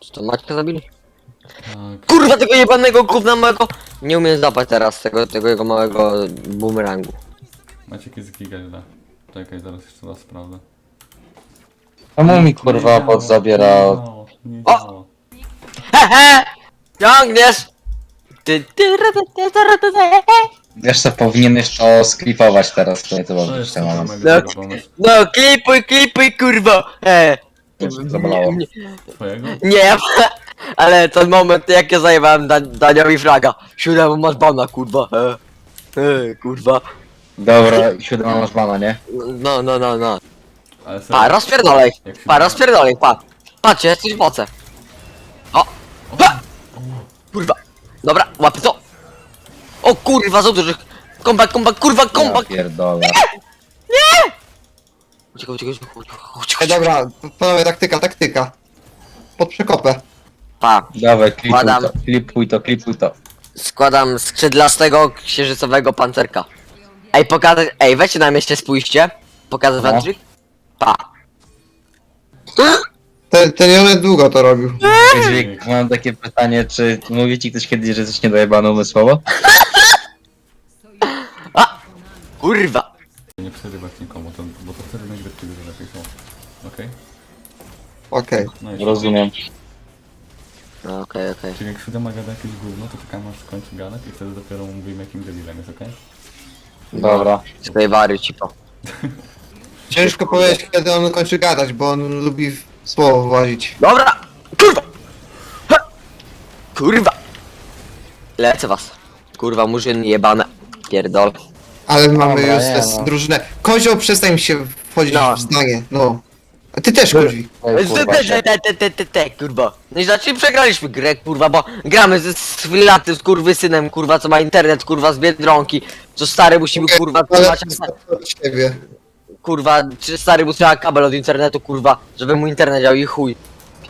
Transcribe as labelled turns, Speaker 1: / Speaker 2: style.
Speaker 1: Czy to Maćka zabili?
Speaker 2: Tak.
Speaker 1: Kurwa tego jebanego gówna małego! Nie umiem zapać teraz tego jego małego bumerangu.
Speaker 2: Maciek jest giga źle. Czekaj, zaraz jeszcze raz sprawdzę.
Speaker 3: Czemu mi kurwa bot
Speaker 2: Nie
Speaker 3: zabierał?
Speaker 2: działo, nie
Speaker 1: O!
Speaker 2: działo.
Speaker 1: Hehe! Ciągniesz! Ty.
Speaker 3: Jeszcze powinieneś to sklipować teraz, to nie to
Speaker 2: To
Speaker 3: było
Speaker 2: jest
Speaker 3: jeszcze mam.
Speaker 2: super mega dobry pomysł.
Speaker 1: No klipuj kurwa!
Speaker 3: Już zabolało.
Speaker 2: Twojego?
Speaker 1: Nie, ale ten moment jak ja zajebałem Daniowi fraga. Siódemą masz bana kurwa. Kurwa.
Speaker 3: Dobra, 7 masz bana, nie?
Speaker 1: No.
Speaker 2: Ale
Speaker 1: Pa, rozpierdolej.
Speaker 2: Jak się
Speaker 1: Pa, rozpierdolej, pa. Patrzcie, jesteś w oce. O! Ha! Kurwa. Dobra, łapy to. O kurwa, za dużych. Comeback, kurwa,
Speaker 3: Ja
Speaker 1: comeback.
Speaker 3: pierdolę.
Speaker 1: Uciekaj.
Speaker 4: Ej, dobra, panowie, taktyka. Pod przekopę.
Speaker 1: Pa,
Speaker 3: Dawaj,
Speaker 1: Wkładam.
Speaker 3: klipuj to.
Speaker 1: składam skrzydlastego księżycowego pancerka. Ej, pokazać, weźcie na mieście, spójrzcie. Pokazać
Speaker 3: No.
Speaker 1: wam trik? Pa.
Speaker 4: Ten Jonet długo to robił.
Speaker 3: Dźwięk, mam takie pytanie, czy mówi ci ktoś kiedyś, że jesteś niedojebany umysłowo?
Speaker 1: Kurwa.
Speaker 2: Nie przerywać nikomu, bo to wtedy nagrywki dużo lepiej są. Okej?
Speaker 4: Okej.
Speaker 2: No i
Speaker 3: Rozumiem.
Speaker 1: No, okej.
Speaker 2: Czyli jak siódema gada jakieś gówno, to czekamy aż skończy gadać i wtedy dopiero mówimy jakim debilem jest, okej?
Speaker 3: Dobra.
Speaker 1: Swojej wary, cipo.
Speaker 4: Ciężko powiedzieć, kiedy on kończy gadać, bo on lubi w słowo włazić.
Speaker 1: Dobra! Kurwa! Ha! Kurwa! Lecę was. Kurwa, murzyn jebane. Pierdol.
Speaker 4: Ale mamy
Speaker 3: Dobra,
Speaker 4: już
Speaker 3: nie,
Speaker 4: tę
Speaker 3: no.
Speaker 4: drużynę. Kozioł, przestań mi się wchodzić
Speaker 1: No.
Speaker 4: w zdanie, no. A ty też, Kozi.
Speaker 3: Ej, kurwa,
Speaker 1: Kurwa. No i znaczy przegraliśmy grę, kurwa, bo gramy ze Swilaty, z kurwysynem, kurwa, co ma internet, kurwa, z Biedronki. Co stary musimy, kurwa,
Speaker 4: Ale
Speaker 1: trzymać,
Speaker 4: od ciebie.
Speaker 1: kurwa, czy stary mu trzeba kabel od internetu, kurwa, żeby mu internet działał i chuj.